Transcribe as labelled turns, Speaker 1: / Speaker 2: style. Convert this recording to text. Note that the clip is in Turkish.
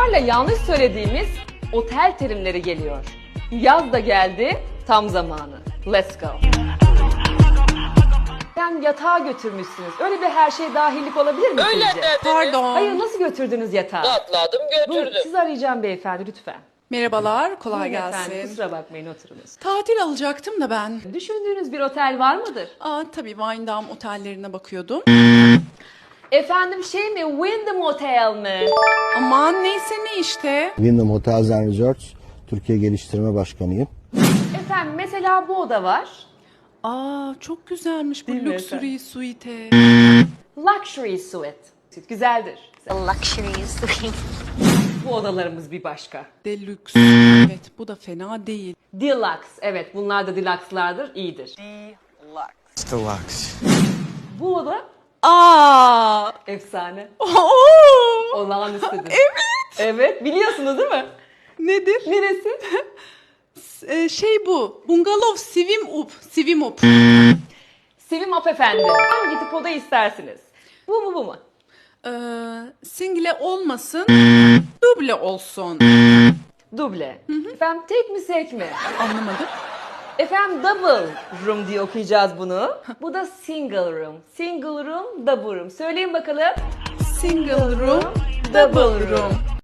Speaker 1: ısrarla yanlış söylediğimiz otel terimleri geliyor. Yaz da geldi, tam zamanı. Let's go. Sen yatağa götürmüşsünüz. Öyle bir her şey dahillik olabilir mi
Speaker 2: Öyle
Speaker 1: sizce?
Speaker 2: dediniz.
Speaker 3: Pardon.
Speaker 1: Hayır, nasıl götürdünüz yatağı?
Speaker 2: Atladım
Speaker 1: Buyurun,
Speaker 2: götürdüm.
Speaker 1: sizi arayacağım beyefendi lütfen.
Speaker 3: Merhabalar, kolay
Speaker 1: Buyurun efendim,
Speaker 3: gelsin.
Speaker 1: kusura bakmayın, oturunuz.
Speaker 3: Tatil alacaktım da ben.
Speaker 1: Düşündüğünüz bir otel var mıdır?
Speaker 3: Tabii Windham otellerine bakıyordum.
Speaker 1: Efendim şey mi, Wyndham Hotel mi?
Speaker 3: Aman neyse ne işte.
Speaker 4: Wyndham Hotels and Resorts Türkiye Geliştirme Başkanıyım.
Speaker 1: Efendim mesela bu oda var.
Speaker 3: Çok güzelmiş bu
Speaker 1: Değil mi
Speaker 3: luxury suite.
Speaker 1: Luxury Suite. Güzeldir.
Speaker 5: luxury suite.
Speaker 1: Bu odalarımız bir başka.
Speaker 3: Deluxe. Evet, bu da fena değil.
Speaker 1: Deluxe. Evet, bunlar da deluxe'lardır. İyidir.
Speaker 6: Deluxe.
Speaker 1: Bu oda efsane. Olağanüstüdür. Evet. Evet, biliyorsunuz değil mi?
Speaker 3: Nedir?
Speaker 1: Neresi?
Speaker 3: Bu. Bungalov Sivim Up.
Speaker 1: Sivim Up efendim. Hangi tip oda istersiniz? Bu mu bu mu?
Speaker 3: Single olmasın, duble olsun.
Speaker 1: Duble. Efendim tek mi tek mi?
Speaker 3: Anlamadım.
Speaker 1: Efendim double room diye okuyacağız bunu. Bu da single room. Single room, double room. Söyleyin bakalım.
Speaker 3: Single room, double room.